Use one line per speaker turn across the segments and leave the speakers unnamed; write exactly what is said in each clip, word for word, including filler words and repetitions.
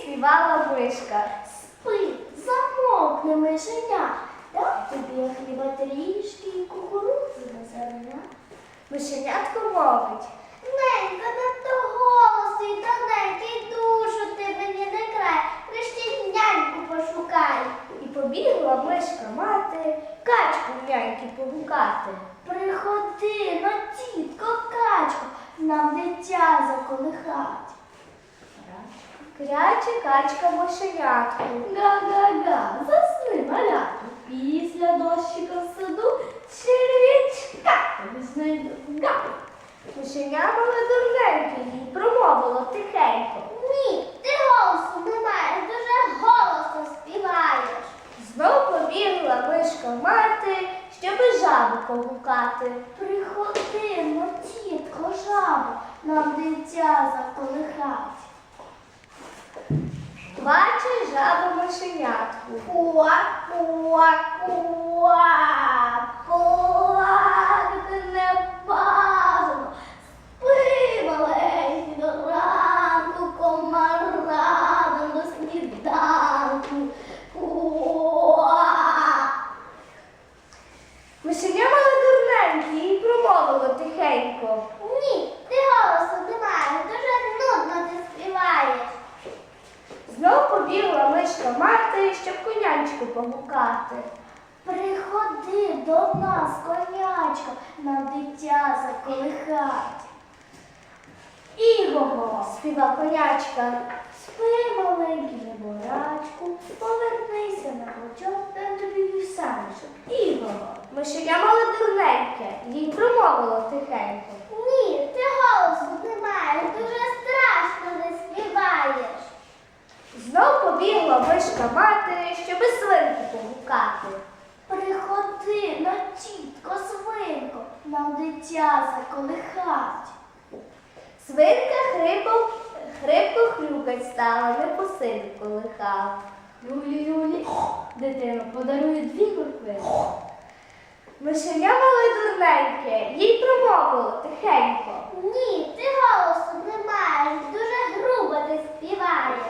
співала мишка.
Спи, замовкни, мишеня. Дам тобі я хліба трішки і кукурудзи на зерня.
Мишенятко мовить.
Ненька, надто голосний, тоненький, душу ти мені не край. Крещі няньку пошукай.
І побігла мишка мати качку в няньки погукати.
Приходи, но тітко, качко, нам дитя заколихать.
Кряче качка мишенятку.
Га-га-га, засни, малятку. Після дощика в саду черв'ячка тобі знайду. Га!
Мишеня мала дурненьке, їй промовило тихенько.
Ні, ти голосу не маєш, дуже голосно співаєш.
Знов побігла мишка мати, щоби жабу погукати.
Приходи, но тітко, жабо, нам дитя заколихать.
Бачить жаба мишенятку.
Куак, куак, куак, плакати не бажано. Спи, маленький, до ранку, комарадом до сніданку. Куак.
Мишеня мала дурненьке, їй промовило тихенько.
Ні, ти голосу не маєш, дуже нудно ти співаєш.
Знов побігла мишка мати, щоб конячку погукати.
Приходи до нас, конячко, нам дитя заколихать.
Іго, співа конячка.
Спи, маленький неборачку, повернися на плечок, дам тобі вівсяничок. Іго.
Мишеня мала дурненьке, їй промовило тихенько.
Ні, ти голосу не маєш, дуже страшно не співаєш.
Знов побігла мишка мати, щоби свинку погукати.
Приходи, на тітко, свинко, нам дитя заколихать.
Свинка хрипав, хрипко хрюкать стала, не по силі колихав.
Люлі, люлі, дитино, подарує дві куркви.
Мишеня мала дурненьке, їй промовило тихенько.
Ні, ти голосу не маєш, дуже грубо ти співаєш.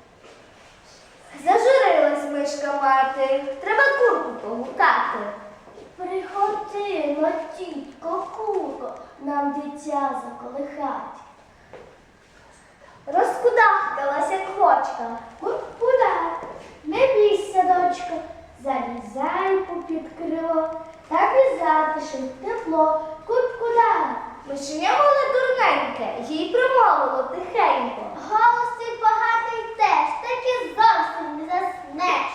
Зажурилась мишка мати, треба курку погукати.
Приходи, но тітко, курко, нам дитя заколихать.
Розкудахталась, як хочка.
Куда? Не бійся, дочко, залізай попід крило, так і затишить тепло. Куд-куда?
Мишеня мала дурненьке, їй промовило тихенько.
Голос твій багатий теж, так і зовсім не заснеш.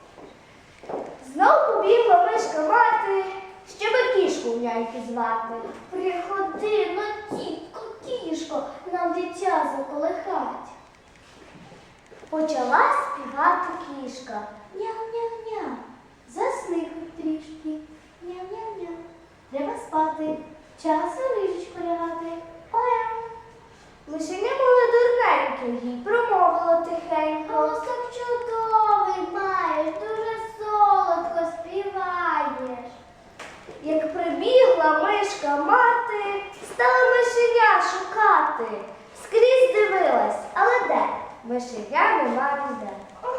Знов побігла мишка мати, щоби кішку в няньки звати.
Приходи, но тітко, кішко, нам дитя заколихать.
Почала співати кішка.
Ням-ням-ням, засни хоч трішки. Ням-ням-ням, треба спати, час у ліжечку лягати. Оля.
Мишеня мала дурненьке, їй промовило тихенько.
Голосок чудовий маєш, дуже солодко співаєш.
Як прибігла мишка мати, стала мишеня шукати. Скрізь дивилась, але де? Мишеня нема ніде.